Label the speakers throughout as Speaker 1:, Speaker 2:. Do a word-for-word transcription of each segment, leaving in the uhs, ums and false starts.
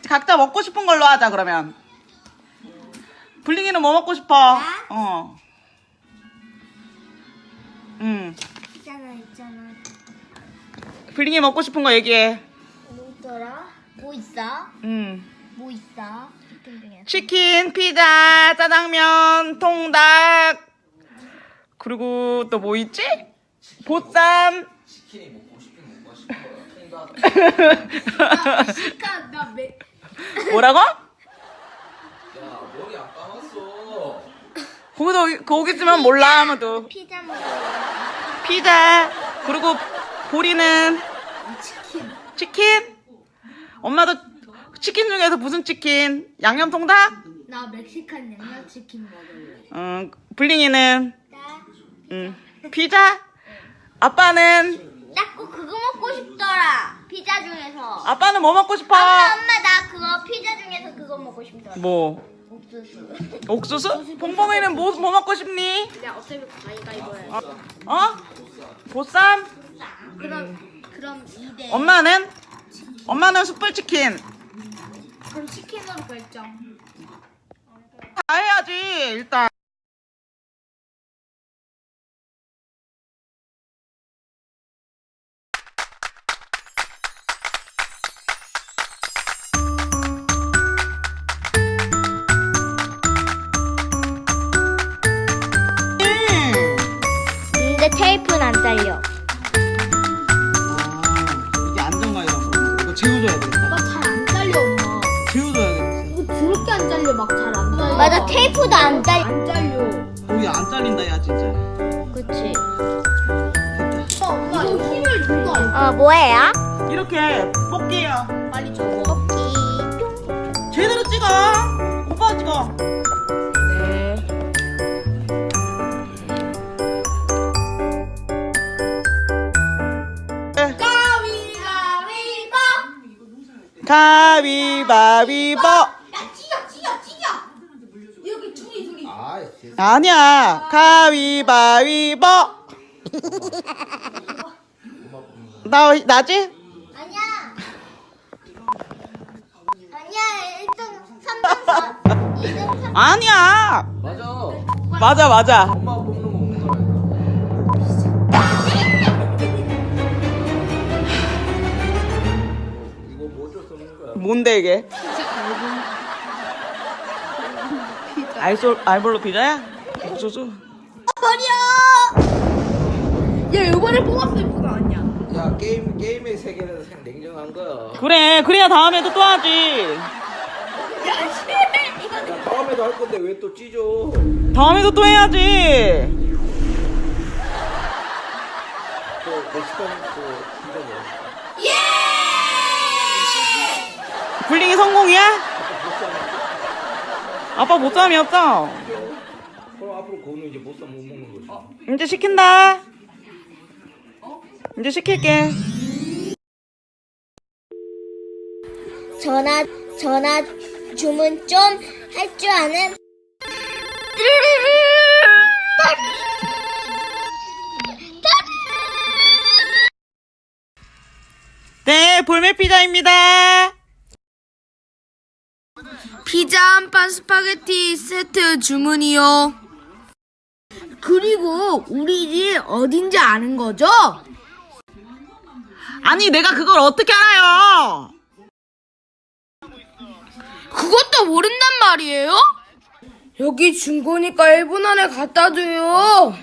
Speaker 1: 각자 먹고 싶은 걸로 하자 그러면. 블링이는 뭐 먹고 싶어?
Speaker 2: 나?
Speaker 1: 어. 응.
Speaker 2: 있잖아 있잖아.
Speaker 1: 블링이 먹고 싶은 거 얘기해.
Speaker 2: 뭐 있더라? 뭐 있어?
Speaker 1: 응.
Speaker 2: 뭐 있어? 치킨 중에.
Speaker 1: 치킨, 피자, 짜장면, 통닭. 그리고 또 뭐 있지? 보쌈.
Speaker 3: 치킨이 먹고 싶은 먹고 싶은 거야. 통닭.
Speaker 2: 시카 나 매.
Speaker 1: 뭐라고?
Speaker 3: 야 머리 안 감았어.
Speaker 1: 거기도 거기 있으면 몰라 아무도.
Speaker 2: 피자 먹어.
Speaker 1: 피자. 그리고 보리는
Speaker 2: 치킨.
Speaker 1: 치킨. 엄마도 치킨 중에서 무슨 치킨? 양념 통닭?
Speaker 2: 나 멕시칸 양념치킨 먹을래.
Speaker 1: 응. 블링이는
Speaker 2: 나?
Speaker 1: 응. 피자. 아빠는
Speaker 2: 나 꼭 그거 먹고 싶더라. 피자 중에서.
Speaker 1: 아빠는 뭐 먹고 싶어?
Speaker 2: 엄마 엄마 나 그거 피자 중에서 그거 먹고 싶더라.
Speaker 1: 뭐?
Speaker 2: 옥수수.
Speaker 1: 옥수수? 봉봉이는 뭐, 뭐 먹고 싶니?
Speaker 2: 야 어차피 가위바위보야.
Speaker 1: 어? 어? 보쌈?
Speaker 2: 그럼 그럼 이 대.
Speaker 1: 엄마는? 엄마는 숯불치킨.
Speaker 2: 그럼 치킨으로 결정.
Speaker 1: 다 해야지 일단.
Speaker 2: 근데 테이프는 안 잘려.
Speaker 1: 이게 안정감이라고 그러는 거. 이거 재워줘야 돼.
Speaker 2: 막 잘 안 잘려 엄마.
Speaker 1: 재워줘야 돼.
Speaker 2: 이거 더럽게 안 잘려. 막 잘 안 잘려. 맞아 테이프도 안 잘려. 안 잘려.
Speaker 1: 거기 안 잘린다 야 진짜.
Speaker 2: 그치.
Speaker 1: 됐다.
Speaker 2: 엄마 이거 힘을 준 거 아니야? 어 뭐예요?
Speaker 1: 이렇게 뽑기예요.
Speaker 2: 빨리 줘. 뽑기.
Speaker 1: 제대로 찍어. 오빠 찍어.
Speaker 2: 네.
Speaker 1: 네.
Speaker 2: 가위바위보.
Speaker 1: 가위바위보.
Speaker 2: 야 찢어 찢어 찢어. 여기 둘이 둘이.
Speaker 3: 아
Speaker 1: 아니야. 가위바위보. 나 나지?
Speaker 2: 아니야. 아니야 일등 삼 등 이 등 삼.
Speaker 1: 아니야.
Speaker 3: 맞아.
Speaker 1: 맞아 맞아.
Speaker 3: 엄마 뽑는 거 먹는 거라니까. 이거 뭐 어쩔 수 없는 거야.
Speaker 1: 뭔데 이게? 알솔 알볼로 피자야? 옥수수?
Speaker 2: 버려. 야 이번에 뽑았을 뿐 아니야.
Speaker 3: 야 게임 게임의 세계는 생 냉정한 거야.
Speaker 1: 그래 그래야 다음에도 또 하지.
Speaker 2: 야 씨. 이거
Speaker 3: 야 다음에도 할 건데 왜 또 찢어?
Speaker 1: 다음에도 또 해야지.
Speaker 3: 또 멕시칸 또 피자 먹어.
Speaker 1: 블링이 성공이야? 아빠 보쌈이었어.
Speaker 3: 그럼 앞으로 그거는 이제 못사 못 먹는 거지.
Speaker 1: 이제 시킨다. 이제 시킬게.
Speaker 2: 전화 전화 주문 좀 할 줄 아는.
Speaker 1: 네, 볼메 피자입니다.
Speaker 4: 피자 한 판 스파게티 세트 주문이요. 그리고 우리 집 어딘지 아는 거죠?
Speaker 1: 아니, 내가 그걸 어떻게 알아요?
Speaker 4: 그것도 모른단 말이에요? 여기 준 거니까 일 분 안에 갖다 줘요.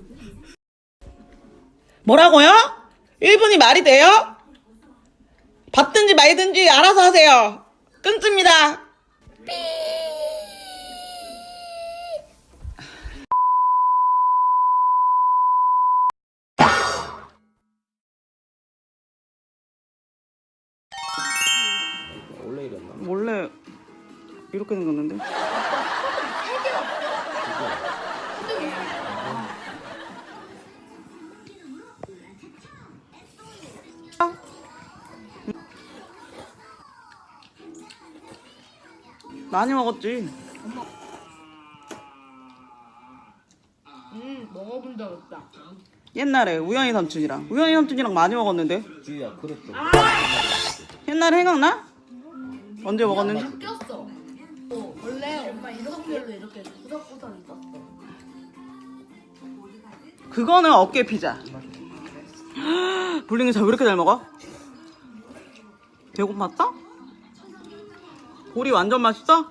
Speaker 1: 뭐라고요? 일 분이 말이 돼요? 받든지 말든지 알아서 하세요. 끊습니다.
Speaker 3: 원래 이랬나?
Speaker 1: 원래 이렇게 생겼는데? 많이 먹었지.
Speaker 4: 음, 먹어본 적 없다.
Speaker 1: 옛날에 우연히 삼촌이랑 우연히 삼촌이랑 많이 먹었는데.
Speaker 3: 주희야 그랬어.
Speaker 1: 옛날에 생각나? 언제 먹었는지?
Speaker 4: 바뀌었어. 어, 원래 엄마 이렇게로 이렇게 구석구석 있었어.
Speaker 1: 그거는 어깨 피자. 볼링이 잘 왜 이렇게 잘 먹어? 배고팠어? 볼이 완전 맛있어?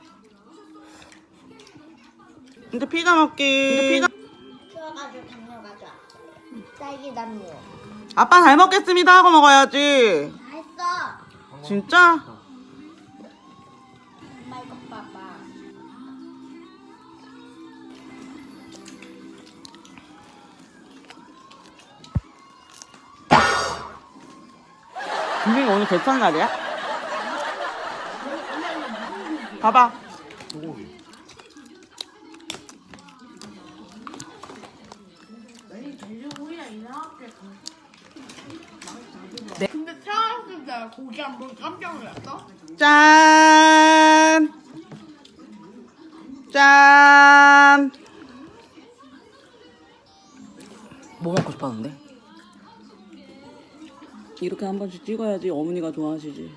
Speaker 1: 이제 피자 먹기. 이제 피자.
Speaker 2: 키워가지고 담요 가져와. 딸기 담요.
Speaker 1: 아빠 잘 먹겠습니다 하고 먹어야지.
Speaker 2: 다 했어.
Speaker 1: 진짜?
Speaker 2: 엄마 이거 봐봐.
Speaker 1: 분명히 오늘 개천 날이야? 봐봐.
Speaker 3: 소고기.
Speaker 4: 근데 태어났을 때 고기 한 번 깜짝 놀랐어?
Speaker 1: 짠! 짠! 뭐 먹고 싶었는데? 이렇게 한 번씩 찍어야지 어머니가 좋아하시지.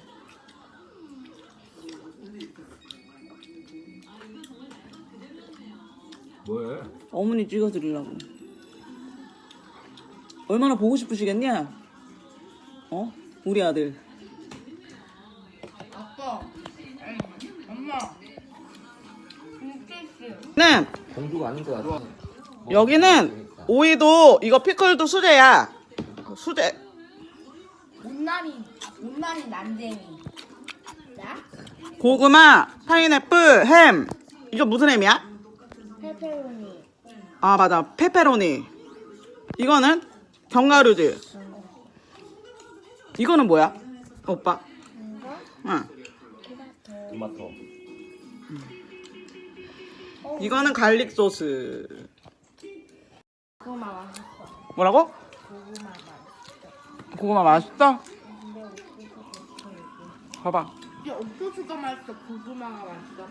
Speaker 3: 뭐해?
Speaker 1: 어머니 찍어드리려고. 얼마나 보고 싶으시겠냐? 어? 우리 아들.
Speaker 4: 아빠, 엄마, 인테스.
Speaker 1: 네,
Speaker 3: 공주가 아닌 것 같아.
Speaker 1: 여기는 오이도 이거 피클도 수제야. 수제.
Speaker 4: 못난이, 못난이 난쟁이. 나?
Speaker 1: 고구마, 파인애플, 햄. 이거 무슨 햄이야?
Speaker 2: 페페로니.
Speaker 1: 아 맞아, 페페로니. 이거는 견과류지. 이거는 뭐야? 오빠.
Speaker 2: 이거
Speaker 1: 응.
Speaker 2: 토마토.
Speaker 3: 토마토.
Speaker 1: 이거는 갈릭 소스.
Speaker 2: 고구마 맛있어.
Speaker 1: 뭐라고?
Speaker 2: 고구마 맛있어.
Speaker 1: 고구마 맛있어?
Speaker 2: 근데 옥수수 맛있어.
Speaker 1: 봐봐.
Speaker 4: 이게 옥수수가 맛있어, 고구마가 맛있어.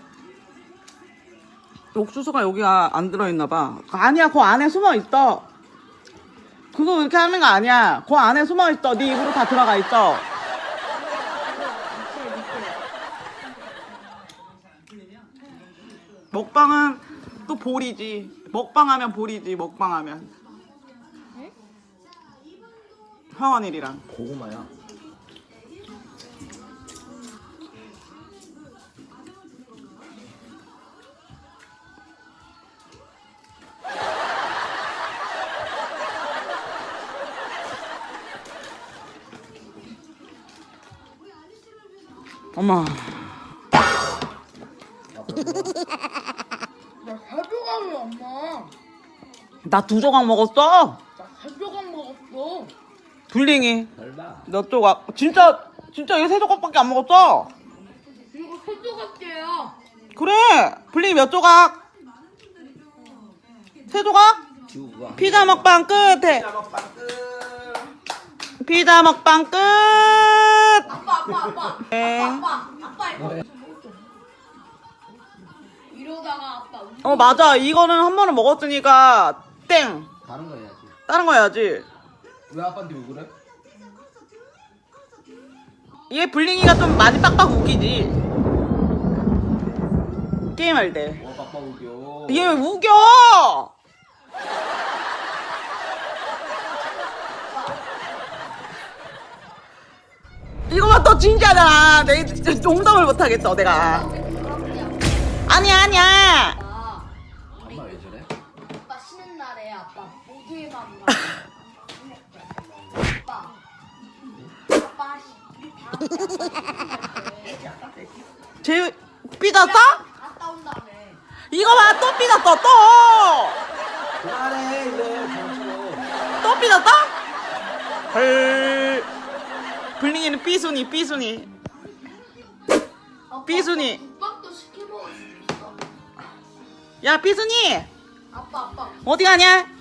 Speaker 1: 옥수수가 여기가 안 들어있나 봐. 아니야, 그 안에 숨어 있어. 그거 이렇게 하는 거 아니야. 그 안에 숨어 있어. 네 입으로 다 들어가 있어. 먹방은 또 볼이지. 먹방하면 볼이지. 먹방하면. 황원일이랑.
Speaker 3: 고구마야.
Speaker 1: 엄마.
Speaker 4: 나세 조각을 엄마.
Speaker 1: 나 두 조각 먹었어.
Speaker 4: 나세 조각 먹었어.
Speaker 1: 불링이.
Speaker 3: 설마.
Speaker 1: 몇 조각? 진짜 진짜 이거 세 조각밖에 안 먹었어.
Speaker 4: 이거 세 조각째야.
Speaker 1: 그래. 불링이 몇 조각? 세 조각?
Speaker 3: 지우가.
Speaker 1: 피자 먹방 끝에.
Speaker 3: 피자 먹방 끝.
Speaker 1: 피자 먹방 끝.
Speaker 4: 아빠, 아빠, 아빠.
Speaker 1: 네.
Speaker 4: 아빠, 아빠 이거. 이러다가 아빠.
Speaker 1: 어 맞아. 이거는 한 번은 먹었으니까 땡.
Speaker 3: 다른 거 해야지.
Speaker 1: 다른 거 해야지.
Speaker 3: 왜 아빠한테 왜 그래?
Speaker 1: 얘 불링이가 좀 많이 빡빡 우기지. 게임할 때.
Speaker 3: 뭐 빡빡 우겨.
Speaker 1: 얘 왜 우겨? 이거만 또 진짜잖아. 내 농담을 못 하겠어 내가. 아니야 아니야.
Speaker 4: 아빠,
Speaker 3: 엄마 왜 저래?
Speaker 4: 아빠 쉬는 날에 아빠 모두에만 가. 아빠. 아빠
Speaker 1: 쟤 삐졌어?
Speaker 4: 갔다 온 다음에.
Speaker 1: 이거 봐, 또 삐졌어, 또!
Speaker 3: 그만해 이제 정치로.
Speaker 1: 또 삐졌어? 헐. 블링이는 삐순이, 삐순이. 삐순이.
Speaker 4: 국밥도 시켜 먹을 수 있어.
Speaker 1: 야, 삐순이!
Speaker 4: 아빠, 아빠.
Speaker 1: 어디 가냐?